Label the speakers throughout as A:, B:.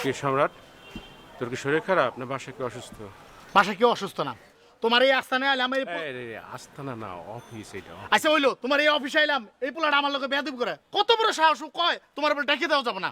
A: কি সম্রাট, তোর কি শরীর খারাপ না বাসায় কি অসুস্থ?
B: বাসায় কেউ অসুস্থ না। তোমার এই আস্থানে আইলাম এই
A: আস্তানা না, অফিস এটা।
B: আচ্ছা হইলো, তোমার এই অফিসে আইলাম, এই পোলাটা আমার লোকে বেয়াদবি করে। কত বড় সাহস ও কয় তোমার উপর ডেকে দেওয়া যাবে না।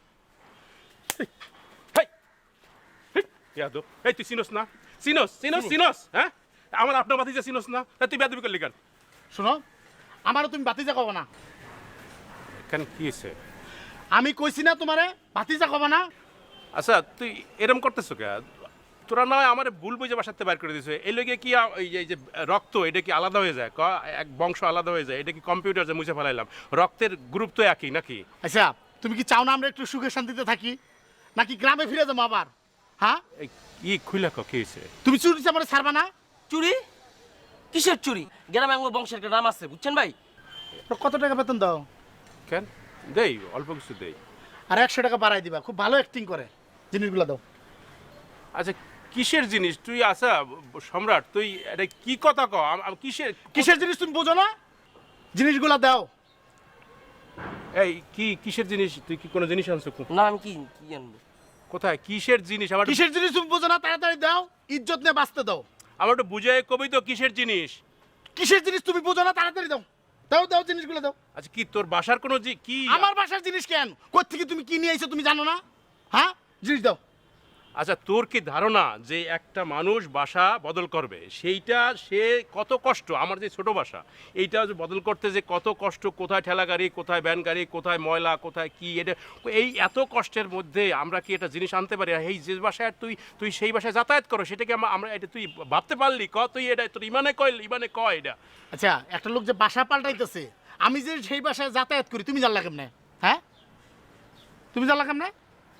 A: ইয়াদব, এই তুই চিনোস না? চিনোস হ্যাঁ? আমার আপনার বাতিজা চিনোস না? তা তুই বেয়াদবি করলি কেন?
B: শোনো, আমারও তুমি বাতিজা কব না।
A: কেন, কি হয়েছে?
B: আমি কইছি না তোমারে বাতিজা কব না।
A: আচ্ছা তুই এরম করতেছো কে? তোরা নয় আমার ভুল বুঝে বাসাতে বাইর করে দিছে। এই লগে কি এই যে রক্ত এটা কি আলাদা হয়ে যায়? এক বংশ আলাদা হয়ে যায়? এটা কি কম্পিউটার যে মুছে ফেলাইলাম? রক্তের গ্রুপ তো একই নাকি?
B: আচ্ছা তুমি কি চাও না আমরা একটু সুখে শান্তিতে থাকি, নাকি গ্রামে ফিরে যাবো আবার? হ্যাঁ,
A: এই কি খুইলা কি হয়েছে?
B: তুমি চুরি চামারে ছাড়বা না?
C: চুরি? কিসের চুরি? গ্রামে আমার বংশের একটা নাম আছে, বুঝছেন ভাই?
B: কত টাকা বেতন দাও?
A: কেন দেই, অল্প কিছু দেই।
B: আর 100 টাকা বাড়াই দিবা, খুব ভালো অ্যাক্টিং করে। জিনিসগুলো দাও।
A: আচ্ছা কিসের জিনিস তুই? আচ্ছা সম্রাট, তুই এটা কি কথা ক? কিসের
B: কিসের জিনিস তুমি বোঝো না? জিনিসগুলো দাও।
A: এই কিসের জিনিস? তুই কি কোনো জিনিস আনছো?
C: না আমি কি কি আনবো?
A: কোথায় কিসের জিনিস? আমার
B: কিসের জিনিস তুমি বোঝো না? তাড়াতাড়ি দাও, ইজ্জত নিয়ে বাঁচতে দাও।
A: আমার একটু বুঝাই কবি তো কিসের জিনিস?
B: কিসের জিনিস তুমি বোঝো না? তাড়াতাড়ি দাও, দাও দাও, জিনিসগুলো দাও।
A: আচ্ছা কি তোর বাসার কোনো কি?
B: আমার বাসার জিনিস কেন? কোত্থেকে তুমি কি নিয়ে আইছো তুমি জানো না? হ্যাঁ, জিনিস দাও।
A: আচ্ছা তোর কি ধারণা যে একটা মানুষ বাসা বদল করবে সেইটা সে কত কষ্ট? আমার যে ছোট বাসা এইটা যে বদল করতে যে কত কষ্ট, কোথায় ঠেলা গাড়ি, কোথায় ভ্যান গাড়ি, কোথায় ময়লা, কোথায় কি, এটা এই এত কষ্টের মধ্যে আমরা কি এটা জিনিস আনতে পারি? এই যে বাসায় তুই সেই বাসায় যাতায়াত করো, সেটাকে আমরা এটা তুই ভাবতে পারলি? তুই এটা তোর ইমানে কয় এটা?
B: আচ্ছা একটা লোক যে বাসা পাল্টাইতেছে, আমি যে সেই বাসায় যাতায়াত করি তুমি জানলা কেমনে? হ্যাঁ, তুমি জানলা কেমনে?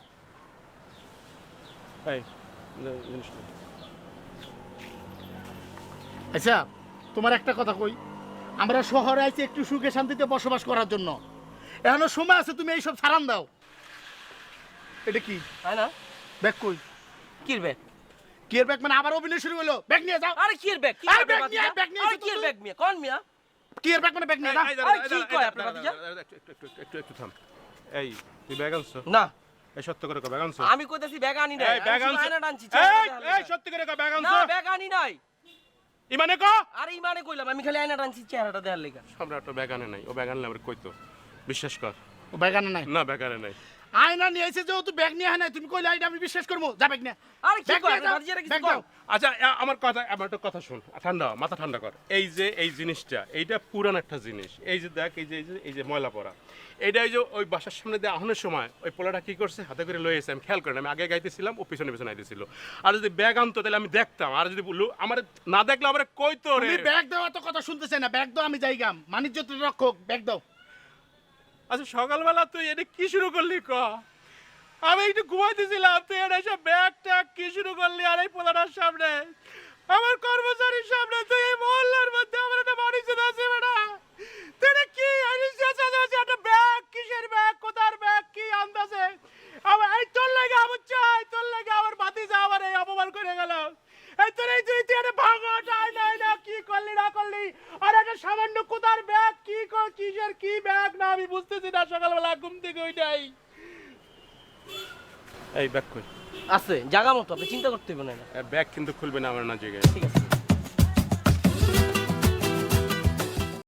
A: এই জিনিসটা
B: আচ্ছা তোমার একটা কথা কই, আমরা শহরে আইছি একটু সুখে শান্তিতে বসবাস করার জন্য। এখনো সময় আছে, তুমি এইসব ছাড়ান দাও। এটা কি
C: তাই না?
B: ব্যাগ? কই
C: কির ব্যাগ?
B: কি এর ব্যাগ? মানে আবার অভিনয় শুরু হলো? ব্যাগ নিয়ে যাও।
C: আরে কির ব্যাগ? কি
B: আরে
C: ব্যাগ
B: ব্যাগ নিয়ে আয়, ব্যাগ নিয়ে
C: আরে
B: এসে তো
C: কির
B: তুই-
C: ব্যাগ মিয়া? কোন মিয়া?
B: কি এর ব্যাগ? মানে ব্যাগ নিয়ে যাও।
C: কি কয় আপনার ভাতিজা?
A: একটু থাম। এই তুই ব্যাগ আনছো?
C: না
A: এই সত্য করে কও, ব্যাগ আনছো?
C: আমি কইতাছি ব্যাগ আনি নাই।
A: এই ব্যাগ
C: আমি
A: আনছো?
C: শুধু আয়না টানছি,
A: এই সত্যি করে কও, ব্যাগ
C: না
A: আনছো?
C: ব্যাগ আনি নাই।
A: ইমানে ক?
C: আরে ইমানে কইলাম, আমি খালি আয়না টানছি চেহারাটা দেখার লাগা।
A: সম্রাট তো ব্যাগ আনে নাই। ও ব্যাগ আনলে আমার কইতো। বিশ্বাস কর।
B: ও ব্যাগ আনে নাই?
A: না ব্যাগ আনে নাই।
B: আয়না নিয়ে এসে যেহেতু ব্যাগ নিয়ে হয় নাই, তুমি কইলে এটা আমি বিশ্বাস করবো? যা ব্যাগ নিয়ে।
C: আরে কি
B: ব্যাগ
C: কয়
B: নিয়ে যাও,
C: আপনার ভাতিজারে কিছু
B: ব্যাগ
C: কও?
B: দাও।
A: আচ্ছা আমার একটা কথা শোন, ঠান্ডা হ, মাথা ঠান্ডা কর। এই যে এই জিনিসটা, এইটা পুরান একটা জিনিস। এই যে দেখ, এই যে ময়লা পড়া, এইটা এই যে ওই বাসার সামনে দিয়ে আহনের সময় ওই পোলাটা কি করছে, হাতে করে লয়ে এসে আমি খেয়াল করি না। আমি আগে গাইতেছিলাম, ও পিছনে পিছনে আইতেছিল। আর যদি ব্যাগ আনতো তাহলে আমি দেখতাম। আর যদি বললো আমার না দেখলে আমার কইতো রে।
B: তুমি ব্যাগ দেওয়া তো কথা শুনতে চাই না। ব্যাগ দাও, আমি যাইগাম। মানিজ্যত রক্ষক, ব্যাগ দাও।
A: আচ্ছা সকালবেলা তুই এটা কি শুরু করলি ক? আমি একটু ঘুমাইতেছিলাম, তুই এটা সব ব্যাগ ট্যাগ কি শুরু করলি? আর এই পোলাটার সামনে, আমার কর্মচারীর সামনে, তুই এই মহল্লার মধ্যে আমার একটা মানিজ্যত আছে বেটা। তুই এটা কি একটা ব্যাগ? কিসের ব্যাগ? কোথার ব্যাগ? কি আন্দাজে আমার এই তোর লাগে আমার চাই, তোর লাগে আমার ভাতিজা আমার এই অপমান করে গেল। এই তোর এই তুই এটা ভাঙা নাই না কি করলি না করলি? আর একটা সামান্য কোথার ব্যাগ? কিসের কি ব্যাগ না আমি বুঝতেছি না। সকালবেলা ঘুম থেকে ওইটাই। এই ব্যাগ কই?
C: আছে জায়গা মতো, আপনি চিন্তা করতে হবে না।
A: ব্যাগ কিন্তু খুলবে না আমার না জায়গায়।
C: ঠিক আছে।